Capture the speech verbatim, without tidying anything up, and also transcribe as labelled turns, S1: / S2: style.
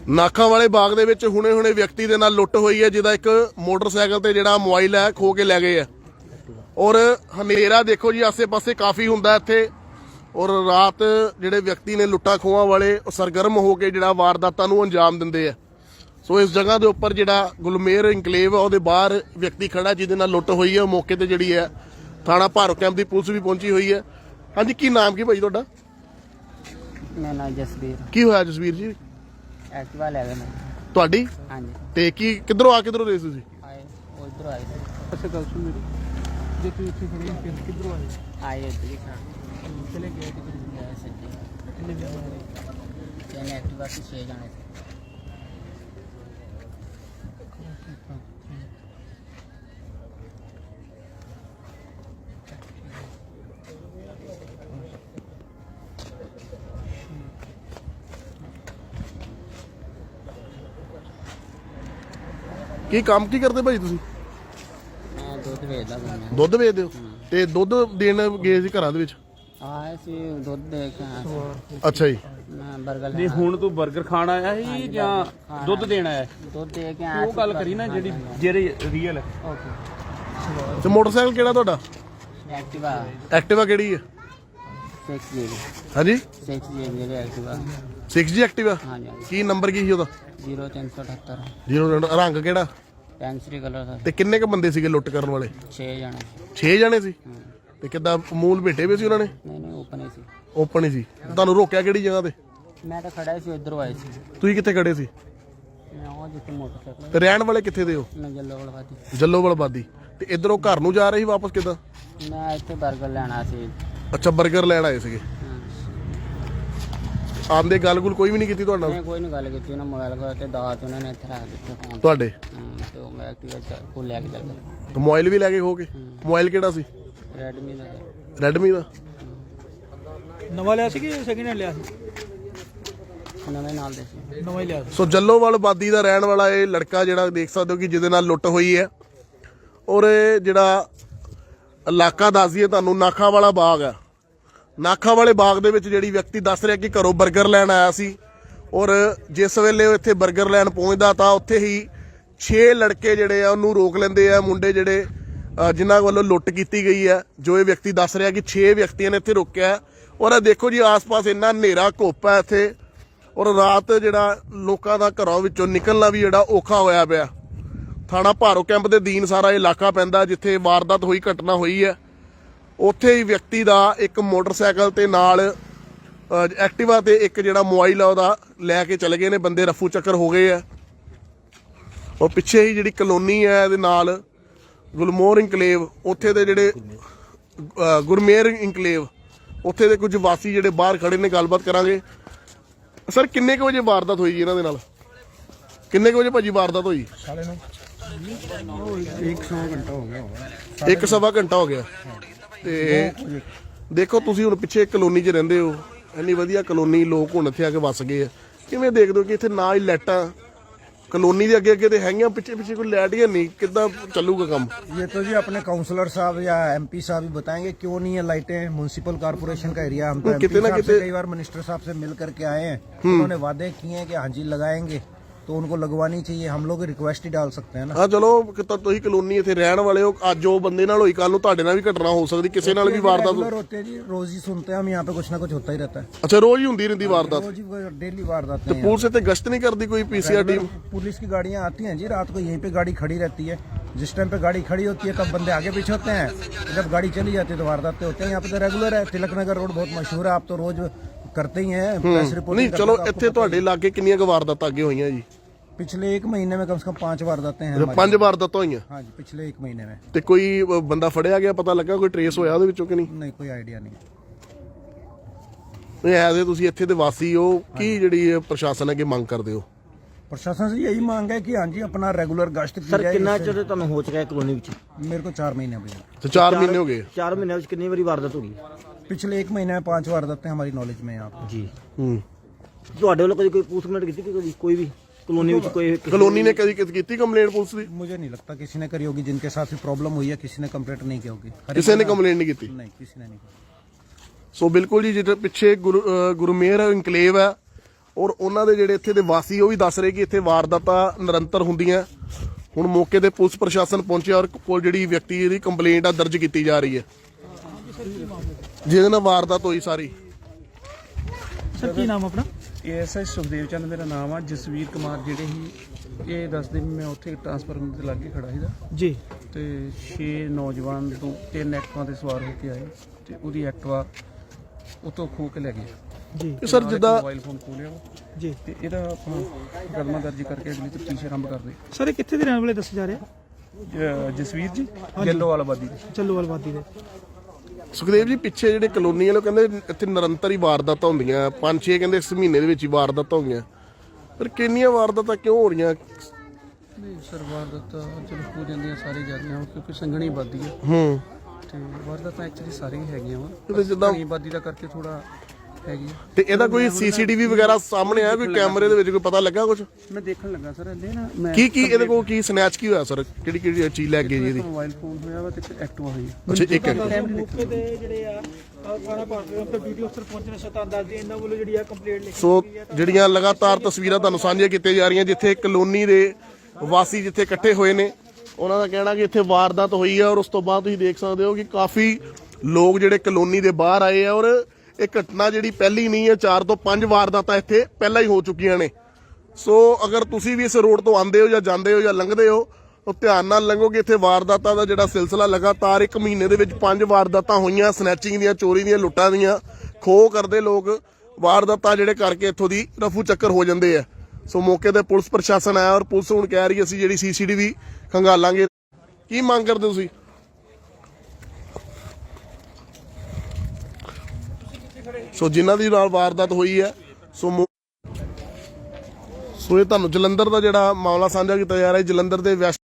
S1: ਨਾਖਾਂ ਵਾਲੇ ਬਾਗ ਦੇ ਵਿੱਚ ਹੁਣੇ ਹੁਣੇ ਵਿਅਕਤੀ ਦੇ ਨਾਲ ਲੁੱਟ ਹੋਈ ਹੈ, ਜਿਹਦਾ ਇੱਕ ਮੋਟਰਸਾਈਕਲ ਤੇ ਜਿਹੜਾ ਮੋਬਾਈਲ ਹੈ ਖੋ ਕੇ ਲੈ ਗਏ ਆ। ਔਰ ਹਨੇਰਾ ਦੇਖੋ ਜੀ ਆਸੇ ਪਾਸੇ ਕਾਫੀ ਹੁੰਦਾ ਇੱਥੇ। ਔਰ ਰਾਤ ਜਿਹੜੇ ਵਿਅਕਤੀ ਨੇ ਲੁੱਟਾਂ ਖੋਹਾਂ ਵਾਲੇ ਉਹ ਸਰਗਰਮ ਹੋ ਕੇ ਜਿਹੜਾ ਵਾਰਦਾਤਾਂ ਨੂੰ ਅੰਜਾਮ ਦਿੰਦੇ ਆ। ਸੋ ਇਸ ਜਗ੍ਹਾ ਦੇ ਉੱਪਰ ਜਿਹੜਾ ਗੁਲਮੇਰ ਇਨਕਲੇਵ ਆ ਉਹਦੇ ਬਾਹਰ ਵਿਅਕਤੀ ਖੜਾ ਜਿਹਦੇ ਨਾਲ ਲੁੱਟ ਹੋਈ ਹੈ। ਮੌਕੇ ਤੇ ਜਿਹੜੀ ਹੈ ਥਾਣਾ ਭਾਰੋ ਕੈਂਪ ਦੀ ਪੁਲਿਸ ਵੀ ਪਹੁੰਚੀ ਹੋਈ ਹੈ। ਹਾਂਜੀ, ਕੀ ਨਾਮ ਕੀ ਭਾਈ ਤੁਹਾਡਾ?
S2: ਮੇਰਾ ਨਾਮ ਜਸਵੀਰ।
S1: ਕੀ ਹੋਇਆ ਜਸਵੀਰ ਜੀ?
S2: ਐਕਟਿਵਾ ਲੈ ਗਏ ਮੈਂ।
S1: ਤੁਹਾਡੀ?
S2: ਹਾਂਜੀ।
S1: ਤੇ ਕੀ ਕਿੱਧਰੋਂ ਆ ਕਿੱਧਰੋਂ ਰਹੇ ਸੀ ਤੁਸੀਂ?
S2: ਆਏ ਉਹ ਇੱਧਰੋਂ ਆਏ ਸੀ।
S3: ਅੱਛਾ ਗੱਲ ਸੁਣ ਮੇਰੀ, ਜੇ ਤੂੰ ਇੱਥੇ ਖੜੀ ਹੈ ਫਿਰ ਕਿੱਧਰੋਂ ਆਏ?
S2: ਆਏ ਇੱਧਰ ਹੀ ਖਾ
S3: ਚਲੇ ਗਏ ਕਿੱਧਰ?
S2: ਗਏ ਸੱਜੇ।
S3: ਕਿੰਨੇ ਜਣੇ ਆਏ?
S2: ਤਿੰਨ ਐਕਟਿਵਾ ਤੇ ਛੇ ਜਾਣੇ ਸੀ।
S1: ਕੀ ਕੰਮ ਕੀ ਕਰਦੇ ਭਾਈ ਤੁਸੀਂ?
S2: ਮੈਂ ਦੁੱਧ ਵੇਚਦਾ ਸੀ।
S1: ਦੁੱਧ ਵੇਚਦੇ ਹੋ? ਤੇ ਦੁੱਧ ਦੇਣ ਗਏ ਸੀ ਘਰਾਂ ਦੇ ਵਿੱਚ?
S2: ਆਏ ਸੀ ਦੁੱਧ ਦੇ ਕੇ ਆਇਆ ਸੀ।
S1: ਅੱਛਾ ਜੀ।
S2: ਮੈਂ 버ਗਰ
S3: ਨਹੀਂ ਹੁਣ ਤੂੰ 버ਗਰ ਖਾਣ ਆਇਆ ਸੀ ਜਾਂ ਦੁੱਧ ਦੇਣ ਆਇਆ?
S2: ਦੁੱਧ ਦੇ ਕੇ ਆਇਆ
S3: ਉਹ ਗੱਲ ਕਰੀ ਨਾ ਜਿਹੜੀ ਜਿਹੜੇ ਰੀਅਲ ਹੈ।
S2: ਓਕੇ।
S1: ਤੇ ਮੋਟਰਸਾਈਕਲ ਕਿਹੜਾ ਤੁਹਾਡਾ?
S2: ਐਕਟਿਵਾ
S1: ਐਕਟਿਵਾ ਕਿਹੜੀ ਹੈ?
S2: ਸਿਕਸ ਜੀ
S1: ਹਾਂਜੀ
S2: ਸਿਕਸ ਜੀ ਜਿਹੜੇ ਐਕਟਿਵਾ।
S1: Six G Activa.
S2: ਹਾਂਜੀ ਹਾਂਜੀ।
S1: ਕੀ ਨੰਬਰ ਕੀ ਸੀ ਉਹਦਾ?
S2: ਜ਼ੀਰੋ ਤਿੰਨ ਸੌ ਅਠੱਤਰ।
S1: ਜ਼ੀਰੋ ਰੰਗ ਕਿਹੜਾ?
S2: ਪੈਂਸਰੀ ਕਲਰ ਦਾ।
S1: ਤੇ ਕਿੰਨੇ ਕ ਬੰਦੇ ਸੀਗੇ ਲੁੱਟ ਕਰਨ ਵਾਲੇ?
S2: ਛੇ ਜਾਣੇ।
S1: ਛੇ ਜਣੇ ਸੀ।
S2: ਹਾਂ।
S1: ਤੇ ਕਿੱਦਾਂ ਮੂਲ ਭੇਟੇ ਵੀ ਸੀ ਉਹਨਾਂ ਨੇ?
S2: ਨਹੀਂ ਨਹੀਂ ਓਪਨ ਹੀ ਸੀ।
S1: ਓਪਨ ਹੀ ਸੀ। ਤੁਹਾਨੂੰ ਰੋਕਿਆ ਕਿਹੜੀ ਜਗ੍ਹਾ ਤੇ?
S2: ਮੈਂ ਤਾਂ ਖੜਾ ਸੀ ਇੱਧਰੋਂ ਆਏ ਸੀ।
S1: ਤੁਸੀਂ ਕਿੱਥੇ ਖੜੇ ਸੀ?
S2: ਮੈਂ ਉਹ ਜਿੱਥੇ ਮੋਟਰਸਾਈਕਲ
S1: ਤੇ ਰਹਿਣ ਵਾਲੇ ਕਿੱਥੇ ਦੇ ਹੋ?
S2: ਮੈਂ ਜੱਲੋਵਾਲਵਾਦੀ।
S1: ਜੱਲੋਵਾਲਬਾਦੀ। ਤੇ ਇਧਰੋਂ ਘਰ ਨੂੰ ਜਾ ਰਹੇ ਸੀ ਵਾਪਸ ਕਿੱਦਾਂ?
S2: ਮੈਂ ਇੱਥੇ 버ਗਰ ਲੈਣਾ ਸੀ।
S1: ਅੱਛਾ, 버ਗਰ ਲੈਣ ਆਏ ਸੀਗੇ। ਆਂਦੇ ਗੱਲ-ਗੁਲ ਕੋਈ ਵੀ ਨਹੀਂ ਕੀਤੀ ਤੁਹਾਡੇ ਨਾਲ?
S2: ਮੈਂ ਕੋਈ ਨਹੀਂ ਗੱਲ ਕੀਤੀ। ਉਹਨਾਂ ਮੋਬਾਈਲ ਕੋਲ ਤੇ ਦਾਤ ਉਹਨਾਂ ਨੇ ਇੱਥੇ ਰੱਖ ਦਿੱਤੇ ਫੋਨ
S1: ਤੁਹਾਡੇ?
S2: ਹਾਂ, ਤੇ ਉਹ ਮੈਂ ਐਕਟਿਵਾ ਕੋਲ ਲੈ ਕੇ ਚੱਲ ਗਿਆ।
S1: ਤੇ ਮੋਬਾਈਲ ਵੀ ਲੈ ਕੇ ਖੋ ਕੇ? ਮੋਬਾਈਲ ਕਿਹੜਾ ਸੀ?
S2: ਰੈਡਮੀ ਦਾ।
S1: ਰੈਡਮੀ ਦਾ।
S3: ਨਵਾਂ ਲਿਆ ਸੀ ਕਿ ਸੈਕਿੰਡ ਹੈਂਡ ਲਿਆ ਸੀ?
S2: ਨਵੇਂ ਨਾਲ ਦੇ ਸੀ।
S3: ਨਵਾਂ ਹੀ ਲਿਆ ਸੀ।
S1: ਸੋ ਜੱਲੋਵਾਲਬਾਦੀ ਦਾ ਰਹਿਣ ਵਾਲਾ ਇਹ ਲੜਕਾ ਜਿਹੜਾ ਦੇਖ ਸਕਦੇ ਹੋ ਕਿ ਜਿਹਦੇ ਨਾਲ ਲੁੱਟ ਹੋਈ ਹੈ। ਔਰ ਇਹ ਜਿਹੜਾ ਇਲਾਕਾ ਦੱਸ ਦਈਏ ਤੁਹਾਨੂੰ, ਨਾਖਾਂ ਵਾਲਾ ਬਾਗ ਹੈ। ਨਾਖਾਂ ਵਾਲੇ ਬਾਗ ਦੇ ਵਿੱਚ ਜਿਹੜੀ ਵਿਅਕਤੀ ਦੱਸ ਰਿਹਾ ਕਿ ਘਰੋਂ 버ਗਰ ਲੈਣ ਆਇਆ ਸੀ। ਔਰ ਜਿਸ ਵੇਲੇ ਉਹ ਇੱਥੇ 버ਗਰ ਲੈਣ ਪਹੁੰਚਦਾ ਤਾਂ ਉੱਥੇ ਹੀ ਛੇ ਲੜਕੇ ਜਿਹੜੇ ਆ ਉਹਨੂੰ ਰੋਕ ਲੈਂਦੇ ਆ। ਮੁੰਡੇ ਜਿਹੜੇ ਜਿਨ੍ਹਾਂ ਵੱਲੋਂ ਲੁੱਟ ਕੀਤੀ ਗਈ ਹੈ, ਜੋ ਇਹ ਵਿਅਕਤੀ ਦੱਸ ਰਿਹਾ ਕਿ ਛੇ ਵਿਅਕਤੀਆਂ ਨੇ ਇੱਥੇ ਰੋਕਿਆ। ਔਰ ਇਹ ਦੇਖੋ ਜੀ ਆਸ-ਪਾਸ ਇੰਨਾ ਹਨੇਰਾ ਘੁੱਪ ਹੈ ਇੱਥੇ। ਔਰ ਰਾਤ ਜਿਹੜਾ ਲੋਕਾਂ ਦਾ ਘਰਾਂ ਵਿੱਚੋਂ ਨਿਕਲਣਾ ਵੀ ਜਿਹੜਾ ਔਖਾ ਹੋਇਆ ਪਿਆ। ਥਾਣਾ ਭਾਰੋ ਕੈਂਪ ਦੇ ਅਧੀਨ ਸਾਰਾ ਇਲਾਕਾ ਪੈਂਦਾ ਜਿੱਥੇ ਵਾਰਦਾਤ ਹੋਈ, ਘਟਨਾ ਹੋਈ ਹੈ। ਉੱਥੇ ਹੀ ਵਿਅਕਤੀ ਦਾ ਇੱਕ ਮੋਟਰਸਾਈਕਲ ਤੇ ਨਾਲ ਐਕਟਿਵਾ ਤੇ ਇੱਕ ਜਿਹੜਾ ਮੋਬਾਈਲ ਆ ਉਹਦਾ ਲੈ ਕੇ ਚਲੇ ਗਏ ਨੇ ਬੰਦੇ। ਰਫੂ ਚੱਕਰ ਹੋ ਗਏ ਆ। ਔਰ ਪਿੱਛੇ ਹੀ ਜਿਹੜੀ ਕਲੋਨੀ ਹੈ ਇਹਦੇ ਨਾਲ ਗੁਲਮੋਰ ਇਨਕਲੇਵ, ਉੱਥੇ ਦੇ ਜਿਹੜੇ ਗੁਰਮੇਰ ਇਨਕਲੇਵ, ਉੱਥੇ ਦੇ ਕੁਝ ਵਾਸੀ ਜਿਹੜੇ ਬਾਹਰ ਖੜੇ ਨੇ। ਗੱਲਬਾਤ ਕਰਾਂਗੇ। ਸਰ, ਕਿੰਨੇ ਕੁ ਵਜੇ ਵਾਰਦਾਤ ਹੋਈ ਜੀ ਇਹਨਾਂ ਦੇ ਨਾਲ? ਕਿੰਨੇ ਕੁ ਵਜੇ ਭਾਜੀ ਵਾਰਦਾਤ ਹੋਈ?
S3: ਇੱਕ ਸਵਾ ਘੰਟਾ ਹੋ ਗਿਆ।
S1: ਇੱਕ ਸਵਾ ਘੰਟਾ ਹੋ ਗਿਆ। ਤੇ ਦੇਖੋ ਤੁਸੀਂ ਹੁਣ ਪਿੱਛੇ ਕਲੋਨੀ 'ਚ ਰਹਿੰਦੇ ਹੋ, ਇੰਨੀ ਵਧੀਆ ਕਲੋਨੀ, ਲੋਕ ਹੁਣ ਇੱਥੇ ਆ ਕੇ ਵਸ ਗਏ ਆ। ਕਿਵੇਂ ਦੇਖਦੇ ਹੋ ਕਿ ਇੱਥੇ ਨਾ ਹੀ ਲਾਈਟਾਂ कॉलोनी के अगे अगे तो है, पिछे पिछे कोई लाइट या नहीं, कितना चलूगा काम? ये तो जी अपने काउंसलर साहब या एमपी साहब ही बताएंगे क्यों नहीं है लाइटें। म्युनिसिपल कारपोरेशन का एरिया, हम तो एमपी साहब से कई बार मिनिस्टर साहब से मिल करके आए हैं, उन्होंने वादे किए हैं कि हाँ जी लगाएंगे, तो उनको लगवानी चाहिए। हम लोग रिक्वेस्ट ही डाल सकते हैं ना। हाँ चलो, तुम कॉलोनी इत्थे रहन वाले हो, अज जो बंदे नाल होई कल नूं तुहाडे नाल भी घटना हो सकती, किसी नाल भी वारदात होती है जी। रोज ही सुनते हैं हम यहाँ पे, कुछ ना कुछ होता ही रहता है। अच्छा, रोज ही होंदी रहंदी वारदात? रोज ही डेली वारदात। तो पुलिस इत्थे गश्त नहीं करती कोई पीसीआर टीम? पुलिस की गाड़ियाँ आती हैं जी, रात को यहीं पे गाड़ी खड़ी रहती है। जिस टाइम पे गाड़ी खड़ी होती है तब बंदे आगे पीछे होते हैं, जब गाड़ी चली जाती है तो वारदातें होते हैं। यहाँ पे तो रेगुलर है। तिलक नगर रोड बहुत मशहूर है, आप तो रोज करते ही हैं प्रेस रिपोर्ट। नहीं चलो, इत्थे तुहाडे लागे कितनियां क वारदातां अगे होईयां जी? पिछले एक महीने में कम से कम पांच वारदातें हैं। पांच वारदातां होईयां? हाँ जी, पिछले एक महीने में। ते कोई बंदा फड़िया गया, पता लगा कोई ट्रेस होया ओहदे विचों कि नहीं? नहीं, कोई आइडिया नहीं। नहीं ऐसे तुसीं इत्थे दे वासी हो, की जिहड़ी प्रशासन अगे मंग करदे हो? प्रशासन से यही मांग है कि हाँ जी अपना रेगुलर गश्त की जाए।
S4: कितना चिर तुहानूं हो चुका है कॉलोनी विच?
S1: मेरे को चार महीने हो गए। तो चार महीने हो गए?
S4: चार महीने विच कितनी बारी वारदात हो गई?
S1: पिछले एक महीने में पांच वारदातें हमारी नॉलेज में यहाँ पे जी।
S4: ਤੁਹਾਡੇ ਵੱਲੋਂ ਕਦੀ ਕੋਈ ਪੁਲਿਸ ਕੰਪਲੇਂਟ ਕੀਤੀ ਕਿ ਕਦੀ ਕੋਈ ਵੀ कॉलोनी ਵਿੱਚ ਕੋਈ
S1: कॉलोनी ने कभी ਕੀਤੀ कंप्लेंट पुलिस ਦੀ?
S5: मुझे नहीं लगता किसी ने करी होगी, जिनके साथ भी प्रॉब्लम हुई है किसी ने कंप्लेंट नहीं की होगी।
S1: किसी ने कंप्लेंट नहीं की?
S5: नहीं, किसी ने नहीं की।
S1: सो बिल्कुल जी, जिधर पिछे गुरु गुरमेर इनकलेव है, ਔਰ ਉਹਨਾਂ ਦੇ ਜਿਹੜੇ ਇੱਥੇ ਦੇ ਵਾਸੀ ਉਹ ਵੀ ਦੱਸ ਰਹੇ ਕਿ ਇੱਥੇ ਵਾਰਦਾਤਾਂ ਨਿਰੰਤਰ ਹੁੰਦੀਆਂ। ਹੁਣ ਮੌਕੇ ਤੇ ਪੁਲਿਸ ਪ੍ਰਸ਼ਾਸਨ ਪਹੁੰਚਿਆ ਔਰ ਕੋਲ ਜਿਹੜੀ ਵਿਅਕਤੀ ਦੀ ਕੰਪਲੇਂਟ ਆ ਦਰਜ ਕੀਤੀ ਜਾ ਰਹੀ ਹੈ ਜਿਹਦੇ ਨਾਲ ਵਾਰਦਾਤ ਹੋਈ ਸਾਰੀ।
S3: ਸਰ ਕੀ ਨਾਮ ਆਪਣਾ?
S6: ਏਐਸਆਈ ਸੁਖਦੇਵ ਚੰਦ ਮੇਰਾ ਨਾਮ ਆ। ਜਸਵੀਰ ਕੁਮਾਰ ਜਿਹੜੇ ਸੀ ਇਹ ਦੱਸਦੇ ਵੀ ਮੈਂ ਉੱਥੇ ਟਰਾਂਸਫਾਰਮਰ ਦੇ ਲਾਗੇ ਖੜਾ ਸੀਗਾ
S3: ਜੀ
S6: ਤੇ ਛੇ ਨੌਜਵਾਨ ਤੋਂ ਤਿੰਨ ਐਕਟਿਵਾ ਤੇ ਸਵਾਰ ਹੋ ਕੇ ਆਏ ਤੇ ਉਹਦੀ ਐਕਟਿਵਾ ਉਤੋਂ ਖੋਹ ਕੇ ਲੈ ਗਏ
S3: ਜੀ
S1: ਤੇ ਸਰ ਜਿੱਦਾਂ
S6: ਮੋਬਾਈਲ ਫੋਨ ਖੋਹ ਲਿਆ ਵਾ
S3: ਜੀ
S6: ਤੇ ਇਹਦਾ ਆਪਾਂ ਮੁਕੱਦਮਾ ਦਰਜ ਕਰਕੇ ਅਗਲੀ ਤਫਤੀਸ਼ ਆਰੰਭ ਕਰਦੇ।
S3: ਸਰ ਇਹ ਕਿੱਥੇ ਦੇ ਰਹਿਣ ਵਾਲੇ ਦੱਸੇ ਜਾ ਰਹੇ ਆ?
S6: ਜ- ਜਸਵੀਰ ਜੀ ਗਿੱਲੋਵਾਲ ਆਬਾਦੀ ਦੇ।
S3: ਚੱਲੂਵਾਲ ਵਾਦੀ ਦੇ।
S1: ਸੁਖਦੇਵ ਜੀ ਪਿੱਛੇ ਜਿਹੜੇ ਕਲੋਨੀ ਵਾਲੇ ਕਹਿੰਦੇ ਇੱਥੇ ਨਿਰੰਤਰ ਹੀ ਵਾਰਦਾਤਾਂ ਹੁੰਦੀਆਂ, ਪੰਜ ਛੇ ਕਹਿੰਦੇ ਇਸ ਮਹੀਨੇ ਦੇ ਵਿੱਚ ਹੀ ਵਾਰਦਾਤਾਂ ਹੋ ਗਈਆਂ, ਪਰ ਕਿੰਨੀਆਂ ਵਾਰਦਾਤਾਂ ਕਿਉਂ ਹੋ ਰਹੀਆਂ?
S6: ਨਹੀਂ ਸਰ ਵਾਰਦਾਤਾਂ ਚਲੋ ਹੋ ਜਾਂਦੀਆਂ ਸਾਰੀ ਜਾਂਦੀਆਂ ਕਿਉਂਕਿ ਸੰਘਣੀ ਆਬਾਦੀ ਆ
S1: ਹੂੰ
S6: ਤੇ ਵਾਰਦਾਤਾਂ ਐਕਚੁਅਲੀ ਸਾਰੀਆਂ ਹੀ ਹੈਗੀਆਂ ਵਾ।
S1: ਤੇ ਜਿੱਦਾਂ
S6: ਸੰਘਣੀ ਆਬਾਦੀ ਦਾ ਕਰਕੇ ਥੋੜਾ ਹੈਗੀ ਆ।
S1: ਤੇ ਇਹਦਾ ਕੋਈ ਸੀਸੀਟੀਵੀ ਵਗੈਰਾ ਸਾਹਮਣੇ ਆਇਆ, ਕੋਈ ਕੈਮਰੇ ਦੇ ਵਿੱਚ ਕੋਈ ਪਤਾ ਲੱਗਾ ਕੁਝ?
S6: ਮੈਂ ਦੇਖਣ ਲੱਗਾ ਸਰ ਇਹਦੇ ਨਾ ਮੈਂ
S1: ਕੀ ਕੀ ਇਹਦੇ ਕੋਲ ਕੀ ਸਨੈਚ ਕੀ ਹੋਇਆ ਸਰ? ਕਿਹੜੀ ਕਿਹੜੀ ਚੀਜ਼ ਲੈ ਗਏ ਜੀ ਇਹਦੀ?
S6: ਮੋਬਾਈਲ ਫੋਨ ਹੋਇਆ ਵਾ ਤੇ ਇੱਕ ਐਕਟਿਵਾ ਹੋਈ ਆ।
S1: ਅੱਛਾ ਇੱਕ
S3: ਮੌਕੇ ਤੇ ਜਿਹੜੇ ਆ ਥਾਣਾ ਭਾਰਤੀ ਤੇ ਵੀਡੀਓ ਅਫਸਰ ਪਹੁੰਚਣੇ ਸ਼ਤਾਨ ਦੱਸਦੇ ਇਹਨਾਂ ਵੱਲੋਂ ਜਿਹੜੀ ਆ ਕੰਪਲੇਂਟ ਲਿਖੀ
S1: ਸੋ ਜਿਹੜੀਆਂ ਲਗਾਤਾਰ ਤਸਵੀਰਾਂ ਤੁਹਾਨੂੰ ਸਾਂਝੀਆਂ ਕੀਤੀਆਂ ਜਾ ਰਹੀਆਂ ਜਿੱਥੇ ਕਲੋਨੀ ਦੇ ਵਾਸੀ ਜਿੱਥੇ ਇਕੱਠੇ ਹੋਏ ਨੇ, ਉਹਨਾਂ ਦਾ ਕਹਿਣਾ ਕਿ ਇੱਥੇ ਵਾਰਦਾਤ ਹੋਈ ਹੈ ਔਰ ਉਸ ਤੋਂ ਬਾਅਦ ਤੁਸੀਂ ਦੇਖ ਸਕਦੇ ਹੋ ਕਿ ਕਾਫੀ ਲੋਕ ਜਿਹੜੇ ਕਲੋਨੀ ਦੇ ਬਾਹਰ ਆਏ ਆ ਔਰ ਇਹ ਘਟਨਾ ਜਿਹੜੀ ਪਹਿਲੀ ਨਹੀਂ ਹੈ, ਚਾਰ ਤੋਂ ਪੰਜ ਵਾਰਦਾਤਾਂ ਇੱਥੇ ਪਹਿਲਾਂ ਹੀ ਹੋ ਚੁੱਕੀਆਂ ਨੇ। ਸੋ ਅਗਰ ਤੁਸੀਂ ਵੀ ਇਸ ਰੋਡ ਤੋਂ ਆਉਂਦੇ ਹੋ ਜਾਂ ਜਾਂਦੇ ਹੋ ਜਾਂ ਲੰਘਦੇ ਹੋ ਤਾਂ ਧਿਆਨ ਨਾਲ ਲੰਘੋ ਕਿ ਇੱਥੇ ਵਾਰਦਾਤਾਂ ਦਾ ਜਿਹੜਾ ਸਿਲਸਿਲਾ ਲਗਾਤਾਰ ਇੱਕ ਮਹੀਨੇ ਦੇ ਵਿੱਚ ਪੰਜ ਵਾਰਦਾਤਾਂ ਹੋਈਆਂ, ਸਨੈਚਿੰਗ ਦੀਆਂ, ਚੋਰੀ ਦੀਆਂ, ਲੁੱਟਾਂ ਦੀਆਂ, ਖੋਹ ਕਰਦੇ ਲੋਕ ਵਾਰਦਾਤਾਂ ਜਿਹੜੇ ਕਰਕੇ ਇੱਥੋਂ ਦੀ ਰਫੂ ਚੱਕਰ ਹੋ ਜਾਂਦੇ ਆ। ਸੋ ਮੌਕੇ ਤੇ ਪੁਲਿਸ ਪ੍ਰਸ਼ਾਸਨ ਆਇਆ ਔਰ ਪੁਲਿਸ ਹੁਣ ਕਹਿ ਰਹੀ ਅਸੀਂ ਜਿਹੜੀ ਸੀਸੀਟੀਵੀ ਖੰਗਾਲਾਂਗੇ। ਕੀ ਮੰਗ ਕਰਦੇ ਤੁਸੀਂ? ਸੋ ਜਿਨ੍ਹਾਂ ਦੀ ਨਾਲ ਵਾਰਦਾਤ ਹੋਈ ਹੈ ਸੋ ਮੌ- ਸੋ ਇਹ ਤੁਹਾਨੂੰ ਜਲੰਧਰ ਦਾ ਜਿਹੜਾ ਮਾਮਲਾ ਸਾਂਝਾ ਕੀਤਾ ਜਾ ਰਿਹਾ ਹੈ। ਜਲੰਧਰ ਦੇ ਵੈਸਟ